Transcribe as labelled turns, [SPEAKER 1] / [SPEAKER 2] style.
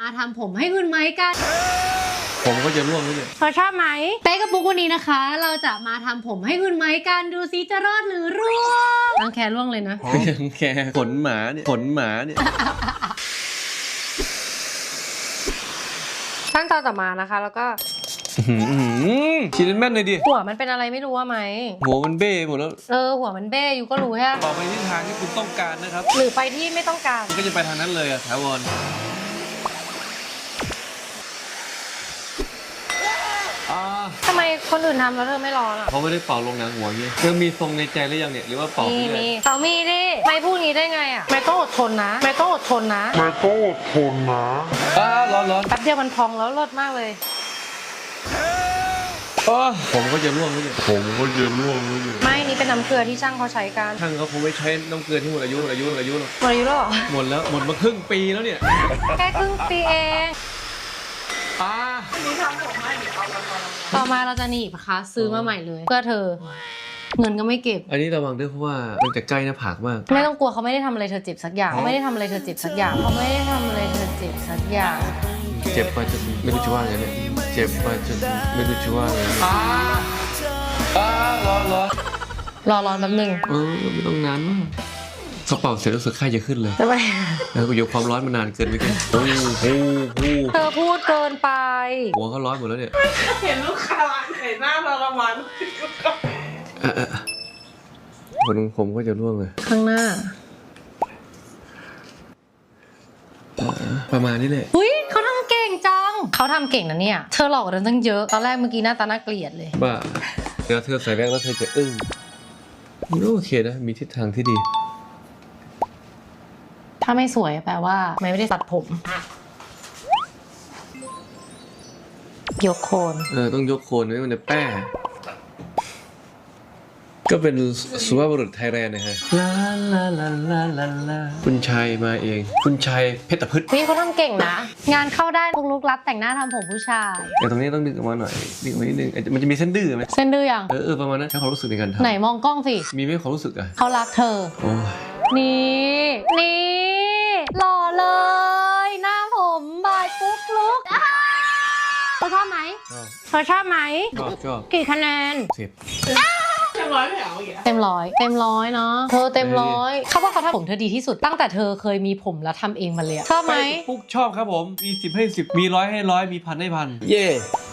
[SPEAKER 1] มาทำผมให้คุณไม้กัน
[SPEAKER 2] ผมก็จะร่วงด้วยเนี่ย
[SPEAKER 1] เธอชอบไหมเป๊กกับปุ๊กวันนี้นะคะ เราจะมาทำผมให้คุณไม้กันดูซิจะรอดหรือร่วงรังแคร่วงเลยนะ
[SPEAKER 2] รังแคขนหมาเนี่ย
[SPEAKER 1] ขั้นตอนต่อมานะคะแล้วก็
[SPEAKER 2] ฉีดแม่นเลยดิ
[SPEAKER 1] หัวมันเป็นอะไรไม่รู้ว่าไหม
[SPEAKER 2] หัวมันเบ้หมดแล้ว
[SPEAKER 1] หัวมันเบ้อยู่ก็รู้ใช่ไหม
[SPEAKER 2] ต่อไปที่ทางที่คุณต้องการนะครับ
[SPEAKER 1] หรือไปที่ไม่ต้องการ
[SPEAKER 2] ก็จะไปทางนั้นเลยอะถาวร
[SPEAKER 1] ทำไมคนอื่นทำแล้วเธอไม่ร้อนอ่ะ
[SPEAKER 2] เขาไม่ได้เป่าลงหนังหัวเงี้ยเธอมีทรงในใจหรือยังเนี่ยหรือว่าเป่า
[SPEAKER 1] มีเขามีดิไม่พูดงี้ได้ไงอ่ะไม่ต้องอดทนนะ
[SPEAKER 2] ร้อน
[SPEAKER 1] แป๊บเดียวมันพองแล้วเลิศมากเลย
[SPEAKER 2] ผมก็จะร่วงแล้วเนี่ย
[SPEAKER 1] ไม่นี่เป็นน้ำเกลือที่ช่างเขาใช้กัน
[SPEAKER 2] ช่างเขาคงไม่ใช้น้ำเกลือที่หมดอายุหรอก
[SPEAKER 1] หมดอายุแล้ว
[SPEAKER 2] หมดมาครึ่งปีแล้วเนี่ย
[SPEAKER 1] แค่ครึ่งปีเอง
[SPEAKER 3] นี่ทำผมให้หรือเอามา
[SPEAKER 1] ต่อมาเราจะหนีบนะคะซื้อมาใหม่เลยเพื่อเธอเงินก็ไม่เก็บ
[SPEAKER 2] อันนี้ระวังด้วยเพราะว่ามันจะใกล้หน้าผากมาก
[SPEAKER 1] ไม่ต้องกลัวเขาไม่ได้ทำอะไรเธอเจ็บสักอย่าง
[SPEAKER 2] เจ็บไปจนไม่รู้จะว่าไงเนี่ยเจ็บไปจนไม่รู้จะว่าไง
[SPEAKER 1] ร้อนแป๊บนึง
[SPEAKER 2] ไม่ต้องนานมากกระเป๋าเสร็จรู้สึกไข้จะขึ้นเลย
[SPEAKER 1] ทำไม
[SPEAKER 2] แล้วกูอยู่ความร้อนมานานเกินไปกัน
[SPEAKER 1] เธอพูดเกินไป
[SPEAKER 2] หัวเขาร้อนหมดแล้วเนี่ย
[SPEAKER 3] เห็นลูกค้าเห็นหน้าทรมาน
[SPEAKER 2] ผมก็จะร่วงเลย
[SPEAKER 1] ข้างหน้า
[SPEAKER 2] ประมาณนี้เลย
[SPEAKER 1] อุ้ยเขาทำเก่งจังเขาทำเก่งนะเนี่ยเธอหลอกกันตั้งเยอะตอนแรกเมื่อกี้หน้าตาน่าเกลียดเลย
[SPEAKER 2] บ้าเดี๋ยวเธอใส่แว่นแล้วเธอจะอึ้งโอเคนะมีทิศทางที่ดี
[SPEAKER 1] ถ้าไม่สวยแปลว่าไม่ได้ตัดผมยกโคน
[SPEAKER 2] ต้องยกโคนไม่มันจะแป้ก็เป็นสุภาพบุรุษไทยแลนด์นะฮะลาคุณชัยมาเองคุณชัยเพชรพฤกษ์
[SPEAKER 1] พี่เขาทำเก่งนะงานเข้าได้ลุกรับแต่งหน้าทำผมผู้ชาย
[SPEAKER 2] แต่ตรงนี้ต้องดึงออกมาหน่อยดึงออกมานิดนึงมันจะมีเส้นดื้อไหม
[SPEAKER 1] เส้นดื้อยัง
[SPEAKER 2] ประมาณนั้นใช้ความรู้สึกในการทำ
[SPEAKER 1] ไหนมองกล้องสิ
[SPEAKER 2] มีไหมความรู้สึกอ่ะ
[SPEAKER 1] เขารักเธอนี่หล่อเลยหน้าผมบายปุ๊กลุกเธอชอบไหมชอบกี่คะแนน
[SPEAKER 3] เต็มร้อยไม่เอาอย่างเงี้ย
[SPEAKER 1] เต็มร้อยเนาะเธอเต็มร้อยเขาว่าเขาทำผมเธอดีที่สุดตั้งแต่เธอเคยมีผมแล้วทำเองมาเลยชอบไหม
[SPEAKER 2] ปุ๊กชอบครับผมมี10 ให้ 10มี100 ให้ 100มี1,000 ให้ 1,000เย่